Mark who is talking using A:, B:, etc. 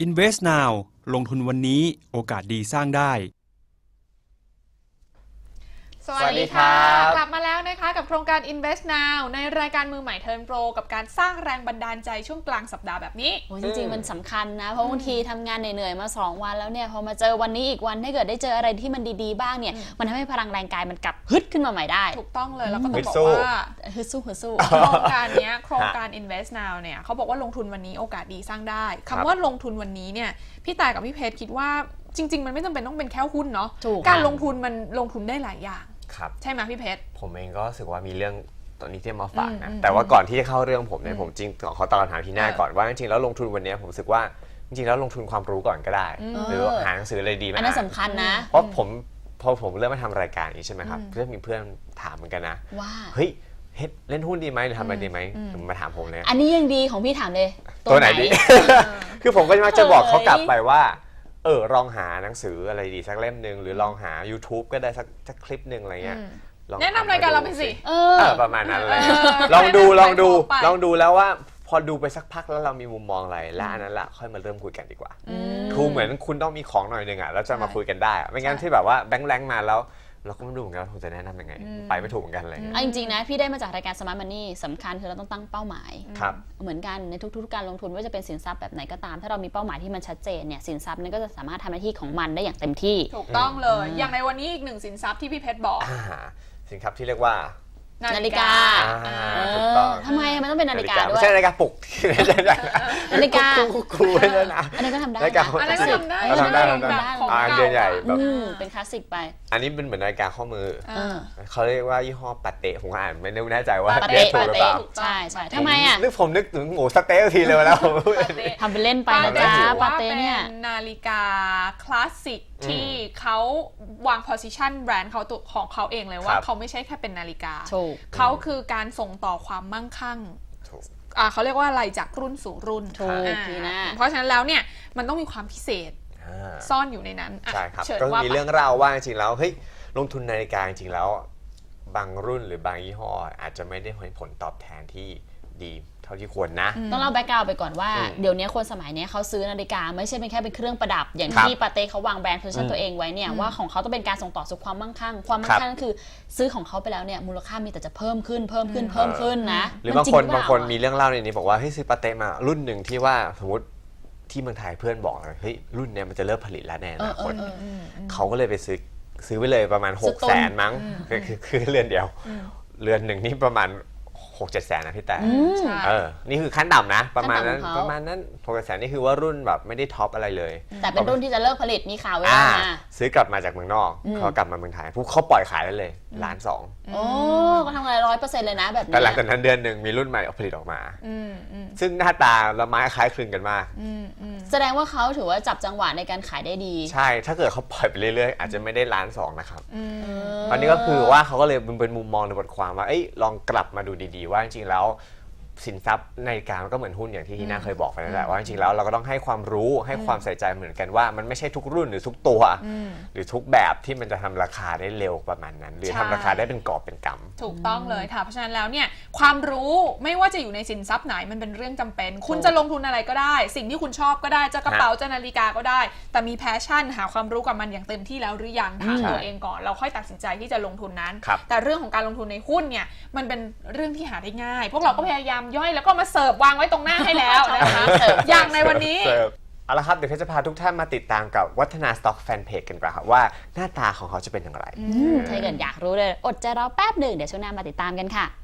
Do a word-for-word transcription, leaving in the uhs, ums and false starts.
A: Invest Now ลงทุนวันนี้โอกาสดีสร้างได้
B: สวัสดีค่ะกลับมาแล้วนะคะกับโครงการ Invest Now ในรายการมือใหม่เทิร์นโปรกับการสร้างแรงบันดาลใจช่วงกลางสัปดาห์แบบนี้
C: โอ้จริงๆมันสำคัญนะเพราะบางทีทำงานเหนื่อยๆมาสองวันแล้วเนี่ยพอมาเจอวันนี้อีกวันถ้าเกิดได้เจออะไรที่มันดีๆบ้างเนี่ยมันทำให้พลังแรงกายมันกลับฮึดขึ้นมาใหม่ได้
B: ถูกต้องเลยแล้วก็ต้องบอกว่า
C: ฮึดสู้ฮึดสู้
B: โครงการนี้โครงการ Invest Now เนี่ยเขาบอกว่าลงทุนวันนี้โอกาสดีสร้างได้คำว่าลงทุนวันนี้เนี่ยพี่ตายกับพี่เพชรคิดว่าจริงๆมันไม่จำเป็นต้องเป็นแค่หุ้นเนาะการลงทุนมันลงทุนได้หลายอย่างใช่ไหมพี่เพชร
D: ผมเองก็รู้สึกว่ามีเรื่องตอนนี้ที่มาฝากนะแต่ว่าก่อนที่จะเข้าเรื่องผมเนี่ยผมจริงขอตอบคำถามที่หน้าก่อนว่าจริงๆแล้วลงทุนวันนี้ผมรู้สึกว่าจริงๆแล้วลงทุนความรู้ก่อนก็ได้หรือหาหนังสืออะไรดีไหม
C: อันนั้นสำคัญนะ
D: เพราะผมพอผมเริ่มมาทำรายการนี้ใช่ไหมครับเพื่อนมีเพื่อนถามเหมือนกันนะ
C: ว่า
D: เฮ้ยเล่นหุ้นดีไหมหรือทำอะไรดีไหมมาถามผมเลย
C: อันนี้ยังดีของพี่ถามเลย
D: ตัวไหนดีคือผมก็มักจะบอกเขากลับไปว่าเออลองหาหนังสืออะไรดีสักเล่มหนึ่งหรือลองหา YouTube ก็ได้สักสักคลิปหนึ่งอะไรเงี้ย
B: แนะนำรายการเราไปสิ
D: เออประมาณนั้นเลยลองดูลองดูลองดูแล้วว่าพอดูไปสักพักแล้วเรามีมุมมองอะไรแล้วอันนั้นแหละค่อยมาเริ่มคุยกันดีกว่าคือเหมือนคุณต้องมีของหน่อยนึงอ่ะแล้วจะมาคุยกันได้ไม่งั้นที่แบบว่าแบงค์แรงมาแล้วเราก็ไม่รู้เหมือนกันว่าผมจะแนะนำยังไงไปไม่ถูกเหมือนกันเลย
C: จริงๆนะพี่ได้มาจากรายการ Smart Money สำคัญคือเราต้องตั้งเป้าหมายเหมือนกันในทุกๆการลงทุนว่าจะเป็นสินทรัพย์แบบไหนก็ตามถ้าเรามีเป้าหมายที่มันชัดเจนเนี่ยสินทรัพย์นั้นก็จะสามารถทำหน้าที่ของมันได้อย่างเต็มที่
B: ถูกต้องเลยอย่างในวันนี้อีกหนึ่งสินทรัพย์ที่พี่เพชรบอก
D: สินทรัพย์ที่เรียกว่า
C: นาฬิกาทำไมมันต้องเป็นนาฬิกาด้วย
D: ไม่ใช่นาฬิกาปลุก
C: นาฬิกา
D: ครูเลยนะ
C: อันนี้ก็ทำได้
B: อันนี้ก็ทำได้
D: ทำได้ทำได้อ่าเดือนใหญ่แบบ
C: เป็นคลาสสิกไป
D: อันนี้เป็นเหมือนนาฬิกาข้อมือเขาเรียกว่ายี่ห้อปาเต้ผมอ่านไม่แน่ใจว่า
C: เรียก
D: ถูกหรือเปล่า
C: ใช่ใช่ทำไมอ่ะ
D: นึกผมนึกถึงหมูสเต๊ะทีเลยแล้ว
C: ทำเป็นเล่นไปนะจ๊ะปาเต้เนี่ย
B: นาฬิกาคลาสสิกที่เขาวาง position แบรนด์เขาตัวของเขาเองเลยว่าเขาไม่ใช่แค่เป็นนาฬิกาเขาคือการส่งต่อความมั่งคั่งเขาเรียกว่าอะไรจากรุ่นสู่รุ่นเพราะฉะนั้นแล้วเนี่ยมันต้องมีความพิเศษซ่อนอยู่ในนั้น
D: ใช่ครับก็มีเรื่องเล่าว่าจริงๆแล้วเฮ้ยลงทุนนาฬิกาจริงๆแล้วบางรุ่นหรือบางยี่ห้ออาจจะไม่ได้ผลตอบแทนที่ดีเท่าที่ควรนะ
C: ต้องเล่าแบ็คกราวด์ไปก่อนว่าเดี๋ยวนี้คนสมัยนี้เขาซื้อนาฬิกาไม่ใช่เป็นแค่เป็นเครื่องประดับอย่างที่ปาเต้เขาวางแบรนด์โพสิชั่นตัวเองไว้เนี่ยว่าของเขาต้องเป็นการส่งต่อสู่ความมั่งคั่งความมั่งคั่งคือซื้อของเขาไปแล้วเนี่ยมูลค่ามีแต่จะเพิ่มขึ้นเพิ่มขึ้นเพิ่มขึ้นนะ
D: หรือบางคนบางคนมีเรื่องเล่าในนี้บอกว่าเฮ้ยซื้อปาเต้มารุ่นหนึ่งที่ว่าสมมติที่เมืองไทยเพื่อนบอกเลยเฮ้ยรุ่นเนี้ยมันจะเลิกผลิตแล้วแน่นะคนเขาก็เลยไปซื้อซื้อไปเลยประมาณหกแสนมั้งคือคือเรือนเดียวเรือนหนึ่งนี่ประมาณหกเจ็ดแสนนะพี่แต่เออนี่คือขั้นต่ำนะประมาณนั้นประมาณนั้นหกเจ็ดแสนนี่คือว่ารุ่นแบบไม่ได้ท็อปอะไรเลย
C: แต่เป็นรุ่นที่จะเลิกผลิตมีข่าวไว้
D: นะซื้อกลับมาจากเมืองนอกเขากลับมาเมืองไทยพวกเขาปล่อยขายได้เลยล้านสอง
C: โอ้ก็ทำงานร้อยเปอร์เซ็นต์เลยนะแบบนี้
D: แต่หลังจากนั้นเดือนหนึ่งมีรุ่นใหม่ผลิตออกมาซึ่งหน้าตาละไม้คล้ายคลึงกันมาก
C: แสดงว่าเขาถือว่าจับจังหวะในการขายได้ดี
D: ใช่ถ้าเกิดเขาปล่อยไปเรื่อยๆอาจจะไม่ได้ล้านสองนะครับตอนนี้ก็คือว่าเขาก็เลยเป็นมุมมองในบทความว่าลองกลับมาดูดีๆว่าจริงๆแล้วสินทรัพย์นาฬิกามันก็เหมือนหุ้นอย่างที่ที่น่าเคยบอกไปนั่นแหละว่าจริงๆแล้วเราก็ต้องให้ความรู้ให้ความใส่ใจเหมือนกันว่ามันไม่ใช่ทุกรุ่นหรือทุกตัวหรือทุกแบบที่มันจะทำราคาได้เร็วประมาณนั้นหรือทำราคาได้เป็นกอบเป็นกำ
B: ถูกต้องเลยค่ะเพราะฉะนั้นแล้วเนี่ยความรู้ไม่ว่าจะอยู่ในสินทรัพย์ไหนมันเป็นเรื่องจำเป็นคุณจะลงทุนอะไรก็ได้สิ่งที่คุณชอบก็ได้จะกระเป๋าจะนาฬิกาก็ได้แต่มีแพชชั่นหาความรู้กับมันอย่างเต็มที่แล้วหรือยังถามตัวเองก่อนเราค่อยตัดสินใจที่จะลงทุนนั้นแต่เรื่องของการลงทุนในหุ้นเนี่ยมันเป็นเรื่องที่หาได้ง่ายพวกเราก็พยายามย่อยแล้วก็มาเสิร์ฟวางไว้ตรงหน้าให้แล้วนะคะอย่างในวันนี้
D: เอาละครับเดี๋ยวเพชรจะพาทุกท่านมาติดตามกับวัฒนาสต็อกแฟนเพจกันก่อนครับว่าหน้าตาของเขาจะเป็นอย่างไร
C: ถ้าเกิดอยากรู้เลยอดใจรอแป๊บหนึ่งเดี๋ยวช่วงหน้ามาติดตามกันค่ะ